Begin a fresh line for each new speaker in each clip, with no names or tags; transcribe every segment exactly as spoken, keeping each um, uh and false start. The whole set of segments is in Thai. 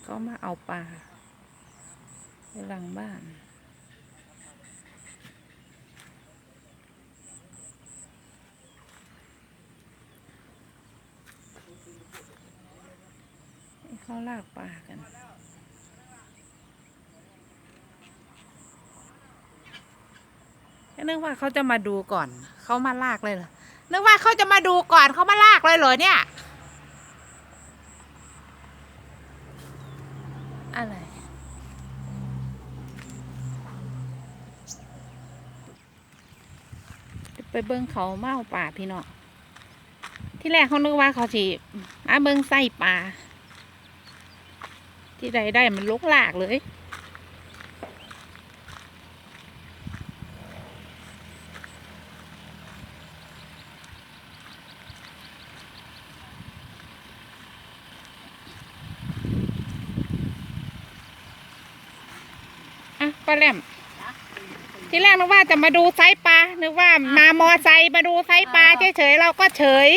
เขามาเอาปลาในหลังบ้านให้เขาลากปลากันนึกว่าเขาจะมาดูก่อนเขามาลากเลยเหรอนึกว่าเขาจะมาดูก่อนเขามาลากเลยเหรอเนี่ยอะไรไปเบิ้งเขาเมาป่าพี่เนาะที่แรกเขานึกว่าเขาจีมาเบิ้งไส้ปลาที่ใดได้มันลุกลากเลยอ่ะป้าแหลมที่แรกนึกว่าจะมาดูไซส์ปลานึกว่ามามอไซค์มาดูไซส์ปลาเฉยๆเราก็เฉย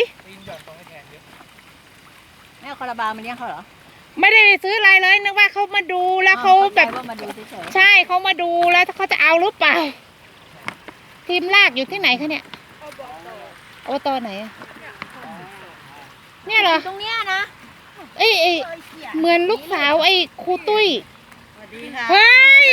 แม่คาราบาลมันเลี้ยงเขาเหรอ
ไม่ได้ไปซื้ออะไรเลยนึกว่าเขามาดูแล้วเขาแบบใช่เขามาดูแล้วเขาจะเอาหรือเปล่าทีมลากอยู่ที่ไหนคะเนี่ยโอตอไหนเนี่ยเหรอ
ตรงเนี้ยนะ
เอ้ยเหมือนลูกสาวไอ้ครูตุ้ยเฮ้ย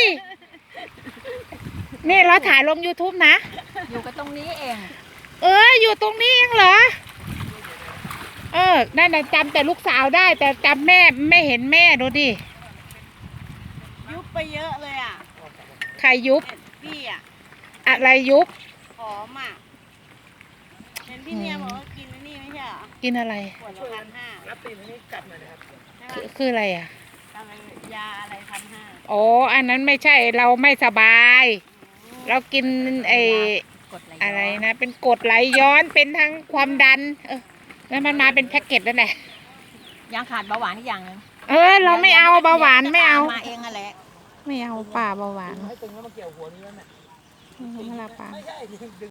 นี่เราถ่ายลง ยูทูบ นะ
อยู่กันตรงนี้เอง
เอออยู่ตรงนี้เองเหรอเออนั่นน่ะจำแต่ลูกสาวได้แต่จำแม่ไม่เห็นแม่ดูดิ
ยุบไปเยอะเลยอ่ะ
ใครยุบ
พี่อ่ะ
อะไรยุบ
หอมอ่ะเห็นพี่เนียบอกว่ากินนี่ไม่ใช่เหรอ
กินอะไร
ขวดละพันห้า
รับตีนนี่จับหน่อยนะครับคือคืออะไรอ่ะ
ยาอะไรพันห้า
โอ้อันนั้นไม่ใช่เราไม่สบายเรากินไอ้อะไรนะเป็นกรดไหลย้อนเป็นทั้งความดันเออแล้วมันมาเป็นแพ็กเกจนั่นแหละ
ยังขาดเบาหวานอีกอย่างนึง
เออเราไม่เอาเบาหวานไม่เอา
มาเองอะไร
ไม่เอาป่าเบาหวาน
ให้ตึงแล้วมาเกี่ยวหัวนี้แล้วเนี่ย
เวลาป่า